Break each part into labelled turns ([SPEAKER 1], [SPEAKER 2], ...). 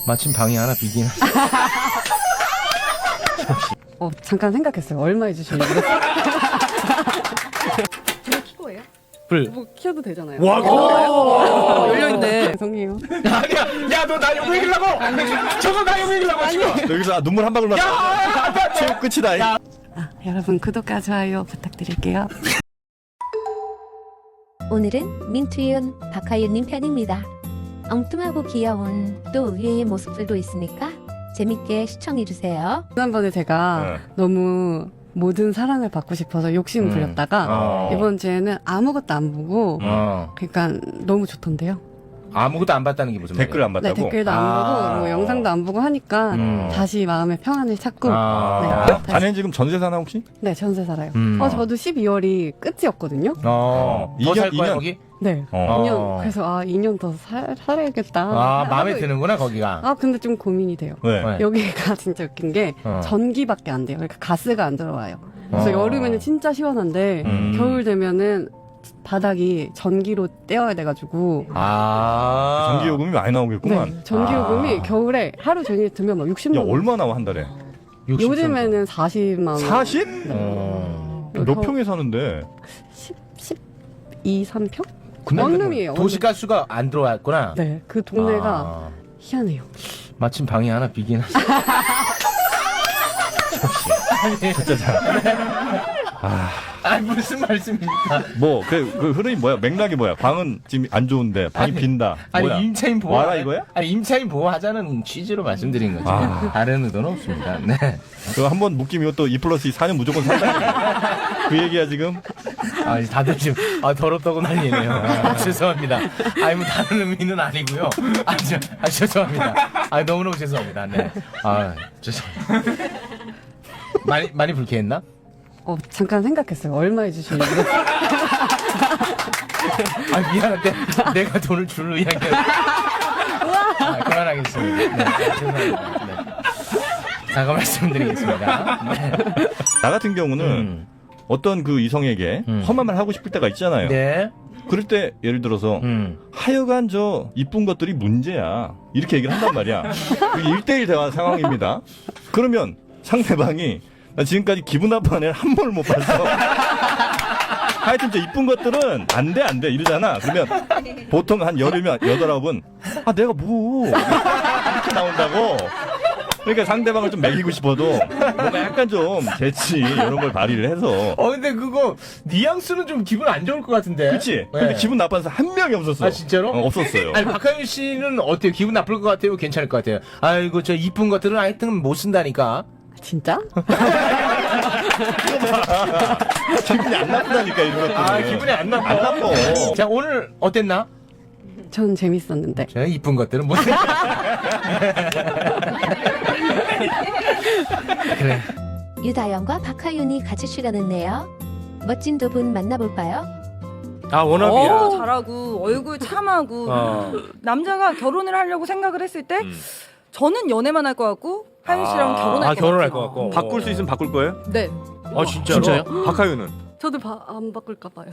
[SPEAKER 1] 마침 방이 하나 비긴.
[SPEAKER 2] 잠깐 생각했어요. 얼마 해주시려고. 불 켜고 해요?
[SPEAKER 1] 불.
[SPEAKER 2] 뭐 켜도 되잖아요.
[SPEAKER 1] 와,
[SPEAKER 2] 열려있네. 죄송해요.
[SPEAKER 1] 야, 너 나 욕 먹이려고! 저거 나 욕 먹이려고 지금!
[SPEAKER 3] 여기서 눈물 한 방울 났다. 체육 끝이다.
[SPEAKER 2] 여러분 구독과 좋아요 부탁드릴게요.
[SPEAKER 4] 오늘은 민투윤, 박하윤님 편입니다. 엉뚱하고 귀여운 또 의외의 모습들도 있으니까 재밌게 시청해주세요.
[SPEAKER 2] 지난번에 제가 너무 모든 사랑을 받고 싶어서 욕심 부렸다가 이번 주에는 아무것도 안 보고 그러니까 너무 좋던데요.
[SPEAKER 1] 아무것도 안 봤다는 게 무슨 말이야?
[SPEAKER 3] 댓글 안
[SPEAKER 2] 네,
[SPEAKER 3] 봤다고?
[SPEAKER 2] 댓글도 안 보고 뭐 영상도 안 보고 하니까 다시 마음의 평안을 찾고 네,
[SPEAKER 3] 자네는 지금 전세 사나 혹시?
[SPEAKER 2] 네 전세 살아요. 저도 12월이 끝이었거든요.
[SPEAKER 1] 더 살 거야
[SPEAKER 3] 2년?
[SPEAKER 1] 거기?
[SPEAKER 2] 네. 2년. 그래서 2년 더 살아야겠다.
[SPEAKER 1] 마음에
[SPEAKER 2] 하고
[SPEAKER 1] 드는구나 거기가.
[SPEAKER 2] 근데 좀 고민이 돼요.
[SPEAKER 3] 왜?
[SPEAKER 1] 네.
[SPEAKER 2] 여기가 진짜 웃긴 게 전기밖에 안 돼요. 그러니까 가스가 안 들어와요. 그래서 여름에는 진짜 시원한데 겨울 되면은 바닥이 전기로 떼어야 돼가지고
[SPEAKER 3] 전기요금이 많이 나오겠구만.
[SPEAKER 2] 네, 전기요금이 겨울에 하루 종일 들면 막 60만
[SPEAKER 3] 야,
[SPEAKER 2] 원.
[SPEAKER 3] 얼마 나와 한 달에?
[SPEAKER 2] 요즘에는 40만 원.
[SPEAKER 3] 40? 몇
[SPEAKER 2] 겨-
[SPEAKER 3] 평에 사는데?
[SPEAKER 2] 12, 3평?
[SPEAKER 1] 근데
[SPEAKER 2] 원룸이에요.
[SPEAKER 1] 도시가스가 안 들어왔구나.
[SPEAKER 2] 네, 그 동네가 희한해요.
[SPEAKER 1] 마침 방이 하나 비긴 하지. 아니 무슨 말씀입니까?
[SPEAKER 3] 뭐, 그 흐름이 뭐야? 맥락이 뭐야? 방은 지금 안 좋은데, 방이 빈다. 뭐야?
[SPEAKER 1] 아니 임차인 보호
[SPEAKER 3] 와라 이거야?
[SPEAKER 1] 아니 임차인 보호하자는 취지로 말씀드린 거죠. 다른 의도는 없습니다. 네.
[SPEAKER 3] 그거 한번 묶이면 또 2+2 4년 무조건 산다. 그 얘기야, 지금?
[SPEAKER 1] 다들 지금 더럽다고 난리네요. 죄송합니다. 뭐 다른 의미는 아니고요. 죄송합니다. 너무너무 죄송합니다. 네. 죄송합니다. 많이 불쾌했나?
[SPEAKER 2] 잠깐 생각했어요. 얼마 해주시려고.
[SPEAKER 1] 미안한데 내가 돈을 줄 의향이 그만하겠습니다. 네, 죄송합니다. 네. 사과 말씀드리겠습니다. 네.
[SPEAKER 3] 나 같은 경우는 어떤 그 이성에게 험한 말 하고 싶을 때가 있잖아요.
[SPEAKER 1] 네.
[SPEAKER 3] 그럴 때 예를 들어서 하여간 저 이쁜 것들이 문제야. 이렇게 얘기를 한단 말이야. 그게 1대1 대화 상황입니다. 그러면 상대방이 나 지금까지 기분 나쁜 애를 한 번을 못 봤어. 하여튼 저 이쁜 것들은 안 돼 이러잖아. 그러면 보통 한 열이면 8, 9은 내가 뭐 이렇게 나온다고. 그러니까 상대방을 좀 먹이고 싶어도 뭔가 약간 좀 재치 이런 걸 발휘를 해서.
[SPEAKER 1] 근데 그거 뉘앙스는 좀 기분 안 좋을 것 같은데.
[SPEAKER 3] 그치?
[SPEAKER 1] 네.
[SPEAKER 3] 근데 기분 나쁜 사람 한 명이 없었어.
[SPEAKER 1] 진짜로?
[SPEAKER 3] 없었어요.
[SPEAKER 1] 아니 박하윤 씨는 어때요? 기분 나쁠 것 같아요? 괜찮을 것 같아요? 아이고 저 이쁜 것들은 하여튼 못 쓴다니까.
[SPEAKER 2] 진짜?
[SPEAKER 3] 기분이 안 나쁘다니까 이런 것들은.
[SPEAKER 1] 기분이 안 나빠.
[SPEAKER 3] 안 나빠.
[SPEAKER 1] 자 오늘 어땠나?
[SPEAKER 2] 전 재밌었는데.
[SPEAKER 1] 저 이쁜 것들은 못 쓴다. 그래.
[SPEAKER 4] 유다영과 박하윤이 같이 출연했네요. 멋진 두 분 만나볼까요?
[SPEAKER 1] 워너비야.
[SPEAKER 5] 잘하고 얼굴 참하고 남자가 결혼을 하려고 생각을 했을 때 저는 연애만 할 것 같고 하윤 씨랑 결혼할 것 같아요.
[SPEAKER 6] 바꿀 수 있으면 바꿀 거예요?
[SPEAKER 5] 네.
[SPEAKER 1] 진짜요?
[SPEAKER 6] 박하윤은?
[SPEAKER 2] 저도 안 바꿀까 봐요.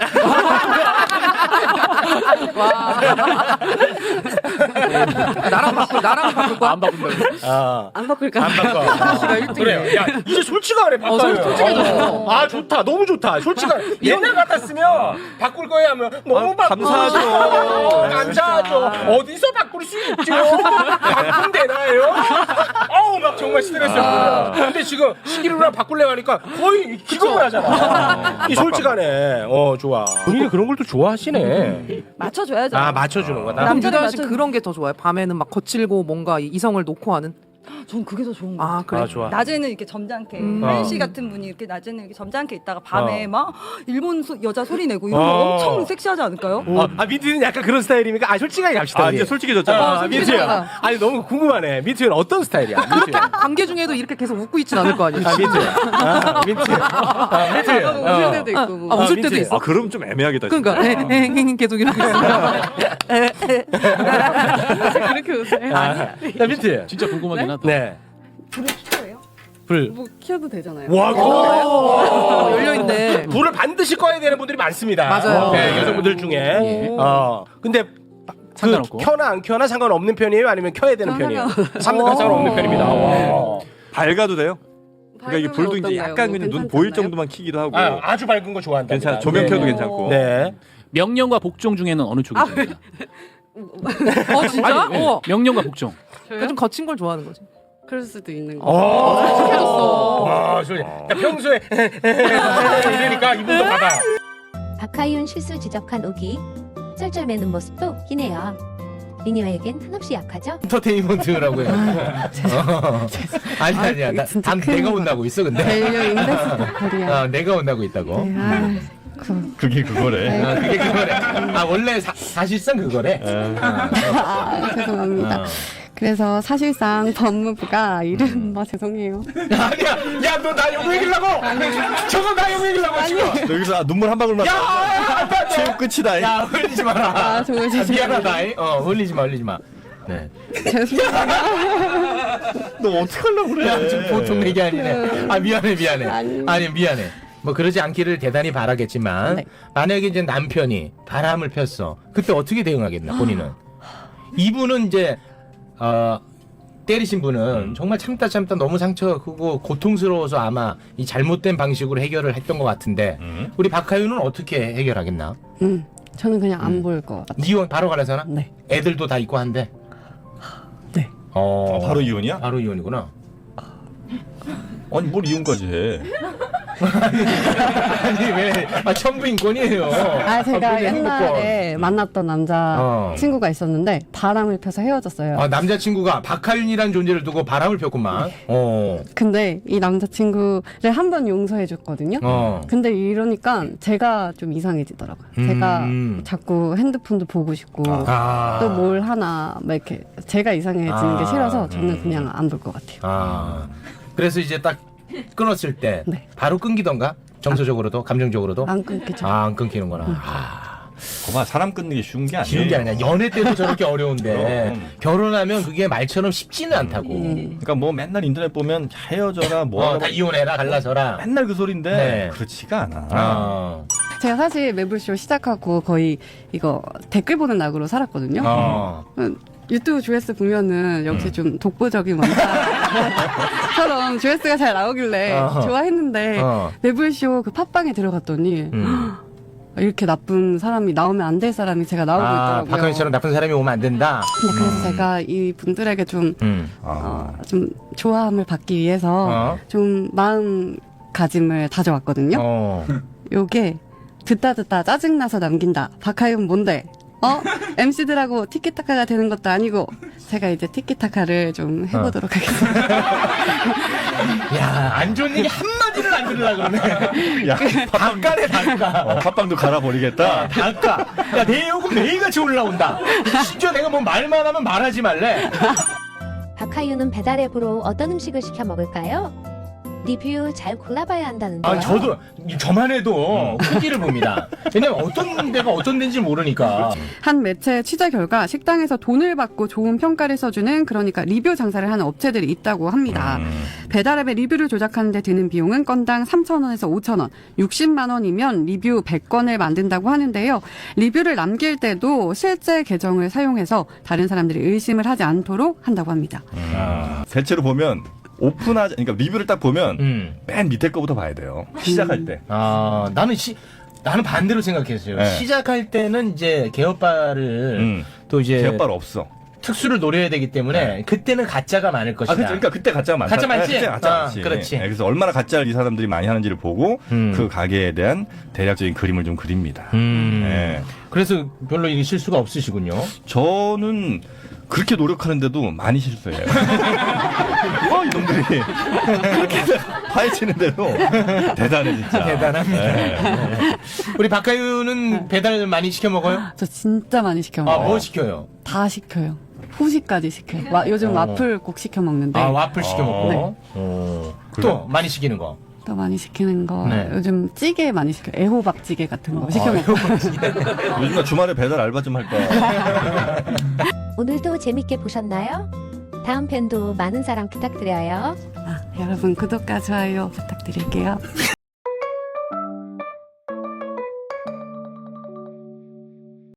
[SPEAKER 5] 나랑 바꿀 거야?
[SPEAKER 1] 안 바꾼다고.
[SPEAKER 2] 안 바꿀까?
[SPEAKER 1] 안 바꿔. 그래요. 야 이제 솔직하네 박하윤. 솔직해졌어. 좋다. 너무 좋다. 솔직한. 옛날 같았으면 바꿀 거야 하면 너무
[SPEAKER 6] 감사하죠.
[SPEAKER 1] 감사하죠. 어디서 바꿀 수 있죠? 바꾼 되나요? 막 정말 스트레스였거든. 근데 지금 시기로랑 바꿀래 하니까 거의 기겁을 하잖아. 이 솔직하네. 좋아. 본인이 그런 걸 또 좋아하시네.
[SPEAKER 5] 맞춰줘야죠.
[SPEAKER 1] 맞춰주는 거다.
[SPEAKER 5] 남자는
[SPEAKER 7] 유다 씨 그런 게 더 좋아요. 밤에는 막 거칠고 뭔가 이성을 놓고 하는.
[SPEAKER 5] 전 그게 더 좋은 거 같아요.
[SPEAKER 7] 그래.
[SPEAKER 1] 좋아.
[SPEAKER 5] 낮에는 이렇게 점잖게 하윤 씨 같은 분이 이렇게 낮에는 이렇게 점잖게 있다가 밤에 막 일본 여자 소리 내고 이런 거 엄청 섹시하지 않을까요?
[SPEAKER 1] 민트는 약간 그런 스타일입니까? 솔직하게 갑시다.
[SPEAKER 6] 이제 솔직해졌잖아.
[SPEAKER 1] 민트야. 아니 너무 궁금하네. 민트는 어떤 스타일이야? 민트.
[SPEAKER 7] 관계 중에도 이렇게 계속 웃고 있진 않을 거 아니에요.
[SPEAKER 1] 민트.
[SPEAKER 2] 웃을 때도 있고. 뭐.
[SPEAKER 7] 웃을 때도 있어.
[SPEAKER 6] 그럼 좀 애매하겠다.
[SPEAKER 7] 그러니까 계속 이러고 있어.
[SPEAKER 2] 그렇게 웃어요?
[SPEAKER 1] 나 민트.
[SPEAKER 8] 진짜 궁금하긴 하다.
[SPEAKER 1] 네.
[SPEAKER 5] 불을 켜요?
[SPEAKER 1] 불.
[SPEAKER 2] 뭐 켜도 되잖아요.
[SPEAKER 7] 열려있네.
[SPEAKER 1] 불을 반드시 꺼야 되는 분들이 많습니다.
[SPEAKER 7] 맞아요.
[SPEAKER 1] 네, 여성분들 중에. 근데
[SPEAKER 8] 상관없고.
[SPEAKER 1] 켜나 안 켜나 상관없는 편이에요? 아니면 켜야 되는 편이에요? 상관없는 편입니다. 와.
[SPEAKER 6] 밝아도 돼요? 그러니까 이게 불도 이제
[SPEAKER 2] 어떤가요?
[SPEAKER 6] 약간 그냥 눈 보일 정도만 켜기도 하고.
[SPEAKER 1] 아주 밝은 거 좋아한다.
[SPEAKER 6] 괜찮아. 조명 켜도 괜찮고.
[SPEAKER 1] 네.
[SPEAKER 8] 명령과 복종 중에는 어느 쪽이 됩니까?
[SPEAKER 7] 진짜?
[SPEAKER 8] 아니, 명령과 복종.
[SPEAKER 7] 그러니까 좀 거친 걸 좋아하는 거지.
[SPEAKER 2] 그럴 수도 있는 거.
[SPEAKER 7] 착해졌어.
[SPEAKER 1] 와, 평소에 이러니까 이분도 받아.
[SPEAKER 4] 박하윤 실수 지적한 오기 쩔쩔매는 모습도 웃기네요. 미니와에겐 한없이 약하죠?
[SPEAKER 9] 엔터테인먼트라고 해요. 아니야.
[SPEAKER 2] 진짜
[SPEAKER 9] 난
[SPEAKER 2] 큰
[SPEAKER 9] 내가
[SPEAKER 2] 거다.
[SPEAKER 9] 온다고 있어 근데.
[SPEAKER 2] 밸류 인덱스 보컬이야.
[SPEAKER 9] 내가 온다고 있다고.
[SPEAKER 2] 네, 아,
[SPEAKER 3] 그게 그거래.
[SPEAKER 9] 그게 그거래. 원래 사실상 그거래.
[SPEAKER 2] 죄송합니다. 그래서 사실상 법무부가 죄송해요.
[SPEAKER 9] 아니야. 야, 너 나 욕 먹이려고. 저거 나 욕 먹이려고 지금.
[SPEAKER 3] 여기서 눈물 한 방울만. 체육 끝이다.
[SPEAKER 9] 야, 흘리지 마라.
[SPEAKER 2] 정말
[SPEAKER 9] 미안하다. 흘리지 마. 네.
[SPEAKER 2] 죄송합니다.
[SPEAKER 3] 너 어떡하려고 그래?
[SPEAKER 9] 야, 좀 보통 얘기 아니네. 미안해. 아니, 미안해. 뭐 그러지 않기를 대단히 바라겠지만
[SPEAKER 2] 네.
[SPEAKER 9] 만약에 이제 남편이 바람을 폈어. 그때 어떻게 대응하겠나 본인은? 이분은 이제 때리신 분은 정말 참다 너무 상처가 크고 고통스러워서 아마 이 잘못된 방식으로 해결을 했던 것 같은데 우리 박하윤은 어떻게 해결하겠나?
[SPEAKER 2] 저는 그냥 안 볼 것 같아요.
[SPEAKER 9] 이혼 바로 갈아서나?
[SPEAKER 2] 네.
[SPEAKER 9] 애들도 다 있고 한데.
[SPEAKER 2] 네.
[SPEAKER 3] 바로 이혼이야?
[SPEAKER 9] 바로 이혼이구나.
[SPEAKER 3] 아니 뭘 이혼까지 해?
[SPEAKER 9] 아니 왜? 천부인권이에요.
[SPEAKER 2] 제가 옛날에 만났던 남자 친구가 있었는데 바람을 펴서 헤어졌어요.
[SPEAKER 9] 남자친구가 박하윤이라는 존재를 두고 바람을 폈구만.
[SPEAKER 2] 근데 이 남자친구를 한 번 용서해 줬거든요. 근데 이러니까 제가 좀 이상해지더라고요. 제가 자꾸 핸드폰도 보고 싶고 또 뭘 하나 막 이렇게 제가 이상해지는 게 싫어서 저는 그냥 안 볼 것 같아요.
[SPEAKER 9] 그래서 이제 딱 끊었을 때
[SPEAKER 2] 네.
[SPEAKER 9] 바로 끊기던가? 정서적으로도 감정적으로도?
[SPEAKER 2] 안 끊기죠.
[SPEAKER 9] 안 끊기는구나.
[SPEAKER 3] 거봐 사람 끊는 게 쉬운 게 아니야.
[SPEAKER 9] 쉬운 게 아니야. 연애 때도 저렇게 어려운데 결혼하면 그게 말처럼 쉽지는 않다고.
[SPEAKER 3] 그러니까 뭐 맨날 인터넷 보면 헤어져라 뭐
[SPEAKER 9] 다 이혼해라 갈라서라.
[SPEAKER 3] 맨날 그 소린데
[SPEAKER 9] 네.
[SPEAKER 3] 그렇지가 않아.
[SPEAKER 2] 제가 사실 매블쇼 시작하고 거의 이거 댓글 보는 낙으로 살았거든요. 유튜브 조회수 보면은 역시 좀 독보적인 원타처럼 조회수가 잘 나오길래 좋아했는데 매블쇼 그 팟빵에 들어갔더니 이렇게 나쁜 사람이 나오면 안 될 사람이 제가 나오고 있더라고요.
[SPEAKER 9] 박하윤처럼 나쁜 사람이 오면 안 된다.
[SPEAKER 2] 근데 그래서 제가 이 분들에게 좀 좋아함을 받기 위해서 좀 마음가짐을 다져왔거든요. 요게 듣다 짜증나서 남긴다. 박하윤 뭔데? MC들하고 티키타카가 되는 것도 아니고 제가 이제 티키타카를 좀 해보도록 하겠습니다.
[SPEAKER 9] 야, 안 좋은 얘기 한마디를 안 들으려고 그러네.
[SPEAKER 3] 야,
[SPEAKER 9] 닭가네 닭가.
[SPEAKER 3] 팥빵도 갈아버리겠다.
[SPEAKER 9] 닭가. 야, 내 욕은 매일같이 올라온다. 심지어 내가 뭐 말만 하면 말하지 말래.
[SPEAKER 4] 박하윤은 배달 앱으로 어떤 음식을 시켜 먹을까요? 리뷰 잘 골라봐야 한다는데요.
[SPEAKER 9] 저도 저만 해도 후기를 봅니다. 왜냐면 어떤 데가 어떤 데인지 모르니까.
[SPEAKER 2] 한 매체 취재 결과 식당에서 돈을 받고 좋은 평가를 써주는 그러니까 리뷰 장사를 하는 업체들이 있다고 합니다. 배달앱의 리뷰를 조작하는 데 드는 비용은 건당 3,000원에서 5,000원, 60만 원이면 리뷰 100건을 만든다고 하는데요. 리뷰를 남길 때도 실제 계정을 사용해서 다른 사람들이 의심을 하지 않도록 한다고 합니다.
[SPEAKER 3] 대체로 보면 오픈하자, 그러니까 리뷰를 딱 보면 맨 밑에 거부터 봐야 돼요. 시작할 때.
[SPEAKER 9] 나는 반대로 생각했어요.
[SPEAKER 3] 네.
[SPEAKER 9] 시작할 때는 이제 개업바를 또 이제
[SPEAKER 3] 개업발 없어.
[SPEAKER 9] 특수를 노려야 되기 때문에 그때는 가짜가 많을 것이다.
[SPEAKER 3] 그러니까 그때 가짜가 많다.
[SPEAKER 9] 가짜 많지?
[SPEAKER 3] 그때 가짜 많지.
[SPEAKER 9] 그렇지.
[SPEAKER 3] 그래서 얼마나 가짜를 이 사람들이 많이 하는지를 보고 그 가게에 대한 대략적인 그림을 좀 그립니다. 네.
[SPEAKER 9] 그래서 별로 이게 실수가 없으시군요.
[SPEAKER 3] 저는 그렇게 노력하는데도 많이 실수해요. 이놈들이 그렇게 파헤치는데도 대단해 진짜.
[SPEAKER 9] 대단합니다.
[SPEAKER 3] 네.
[SPEAKER 9] 우리 박하윤은 배달 많이 시켜 먹어요?
[SPEAKER 2] 저 진짜 많이 시켜 먹어요.
[SPEAKER 9] 뭐 시켜요?
[SPEAKER 2] 다 시켜요. 후식까지 시켜요. 요즘 와플 꼭 시켜 먹는데
[SPEAKER 9] 와플 시켜 먹고. 또 많이 시키는 거.
[SPEAKER 2] 또 많이 시키는 거
[SPEAKER 9] 네.
[SPEAKER 2] 요즘 찌개 많이 시켜요. 애호박찌개 같은 거 시켜 먹고.
[SPEAKER 3] 요즘 나 주말에 배달 알바 좀 할까.
[SPEAKER 4] 오늘도 재밌게 보셨나요? 다음 편도 많은 사랑 부탁드려요.
[SPEAKER 2] 여러분 구독과 좋아요 부탁드릴게요.